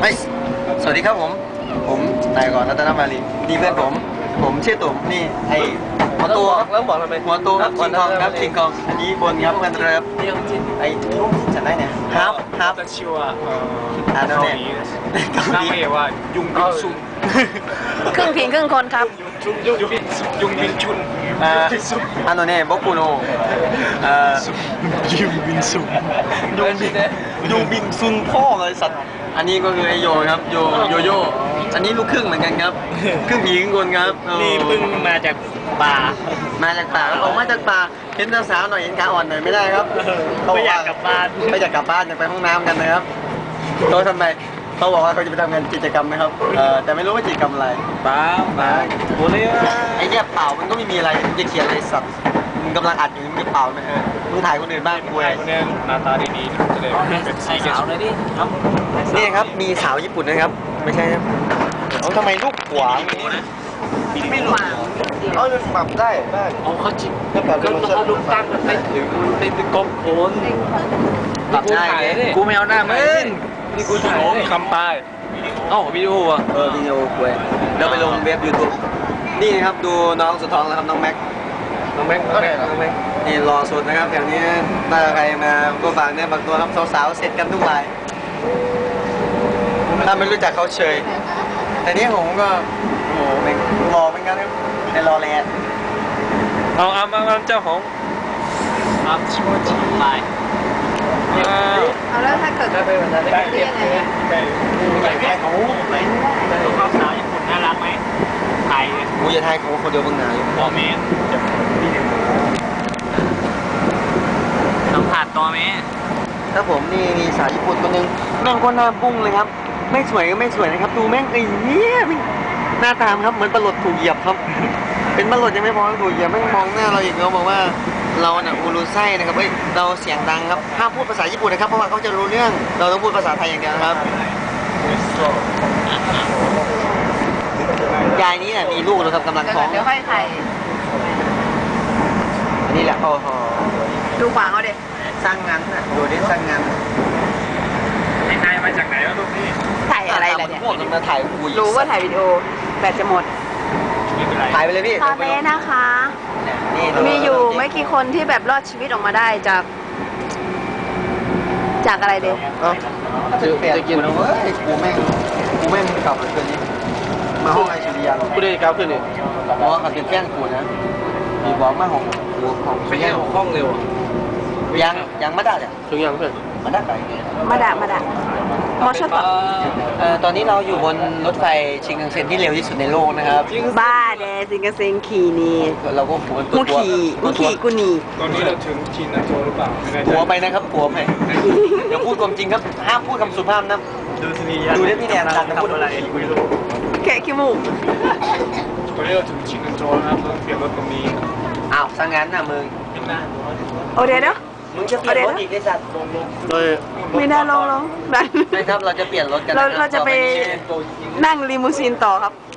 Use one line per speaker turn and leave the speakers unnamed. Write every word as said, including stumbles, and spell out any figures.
ไม่สวัสดีครับผมผมนายก่อนรัตนมาลีนี่เพื่อนผมผมชื่อตุ่มนี่ไอหัวตัวแล้วบอกทำไมหัวตัวครับคิงกองครับคิงกองอันนี้บนครับกันเริ่มไอ้ลูกจะได้เนี่ยฮับฮับ
ชื่อว่า
อ่าโน่นเนี่ย
ตั้งเองว่ายุงบินซุน
ครึ่งผิงครึ่งคนครับ
ยุงบินยุงบินชุน
อ่าอันโน่นเนี่ยบอกกูโนอ่า
ยุงบินซุน
ยุงบินยุงบินซุนพ่อเลยสัตว์อันนี้ก็คือไอโยครับโยโยโย่อันนี้ลูกครึ่งเหมือนกันครับครึ่งผีครึ่งคนครับ
นี่เพิ่งมาจากป่า
มาจากป่าออกมาจากป่าเห็นสาวๆหน่อยเห็นขาอ่อนหน่อยไม่ได้ครับ
ไม่อยากกลับบ้าน
ไม่อยากกลับบ้านอยากไปห้องน้ำกันนะครับเขาทำไมเขาบอกว่าเขาจะไปทำงานกิจกรรมนะครับเออแต่ไม่รู้ว่ากิจกรรมอะไร
เปล่าเปล่าโอ้ย
ไอ้เนี่ยเปล่ามันก็ไม่มีอะไรจะเขียนอะไรสัตว์มึงกำลังอัดอยู่มึงจะเปล่าไหมเออมึงถ่ายคนอื่นบ้างกูไอ้
คนนี้หน้าตาดีๆจะได้เป็นสี
สาวเลยดิครับ
นี่ครับมีสาวญี่ปุ่นนะครับไม่ใช่เขาทำไมลูกขวาง
ไม่หวาน
เอาจะปรับได้ได้
เอาเขาจิบก็แบบเขาลูกตั้งมันไปถึงมันไปกบโอน
ปรับได้
กูไม่เอาหน้ามึงนี่กูถ่ายคำปลายเอ้าวิดีโออ่ะ
เออวิดีโอเว้ยเราไปลงเว็บยูทูบนี่นะครับดูน้องสุดท้องแล้วครับน้องแม็ก
น้องแม็กน้องแม็กน้องแม็ก
นี่รอสุดนะครับแถวนี้ถ้าใครมาก็ฝากเนี่ยบางตัวครับสาวๆเสร็จกันทุกรายถ้าไม่รู้จักเขาเฉยแต่นี้ผมก็โอ้โหเป็นรอเป็นกันครับในรอแลน
เอาเอาเอาเจ้าของอัพชิวชิไล
เอาแล้วถ้าเกิด
ได้ไปวันนั้นได้เก็บเลยไปไปแค่เขาไปเขาสาวญี่ปุ่นน่ารักไหมไทย
กูจะไทยเขาคนเดียวเพิ่งนาย
บอเมนสัมผัสตัวเมน
ถ้าผมนี่มีสาวญี่ปุ่นคนนึงแม่งก็หน้าปุ้งเลยครับไม่สวยก็ไม่สวยนะครับดูแม่งไอ้เนี้ยหน้าตามครับเหมือนปลาหลดถูกเหยียบครับเป็นปลาหลดยังไม่พอถูกเหยียบแม่งมองหน้าเราอีกเขาบอกว่าเราเนี่ยอูรุไส้นะครับเฮ้ยเราเสียงดังครับห้ามพูดภาษาญี่ปุ่นนะครับเพราะว่าเขาจะรู้เรื่องเราต้องพูดภาษาไทยอย่างเดียวครับยายนี้เนี่ยมีลูกนะครับกำลังท้อง
เดี๋ยวค่อยไทย
อันนี้แหละโอ้โห
ดูขวางเอาเด็ก
สร้างงานนะดูดิสร้างงาน
ไอ้นายมาจากไหนวะลูกนี่
ถ่ายอะไรล่ะเนี่ย
พวกมันมาถ่ายคุย
รู้ว่าถ่ายวิดีโอแบตจะหมด
ถ่ายไปเลยพี่
ตอนนี้นะคะมีอยู่ไม่กี่คนที่แบบรอดชีวิตออกมาได้จากจากอะไรเด็ก
จะเปลี่ยนกินเฮ้ยกูแม่งกูแม่งกลับเลยคืนนี้มาห้องไอชีวิต
กูได้กลับคืนนี้
เพราะว่าเขาเป็นแฟนกูนะมีบอกมาห้องกูห้อง
ไม่ใช่ห้องเร็ว
ยังยังไม่ได้จ้ะ
ถึงยังเพื่อน
มาได้ไป
มาด่ามาด่า
มอชต่อเอ่อตอนนี้เราอยู่บนรถไฟชินคันเซ็นที่เร็วที่สุดในโลกนะครับ
บ้าเดชินคันเซ็นขี่นี่
เราก็หัว
กูขี่กูขี่กูหนี
ตอนนี้เราถึงชินโจหรือเปล่า
หัวไปนะครับหัวไปเดี๋ยวพูดความจริงครับห้ามพูดคำสุภาพนะ
ดูสินี
ดูได้พี่แนนดันจะพูดอะไรคุยรู้
แค่ขี้มูก
ตอนนี้เราถึงชินโจนะครับเราเปลี่ยนรถตรงนี้
อ้าวสังงานน่ะมึง
โอเดี๋ยวเนาะ
มึงจะเปลี่ยนรถอีกไอ้สัตว์
โดย
ไม่ได้ลงลง
ไม่ครับเราจะเปลี่ยนรถกัน
เราเราจะไปนั่งลิมูซีนต่อครับ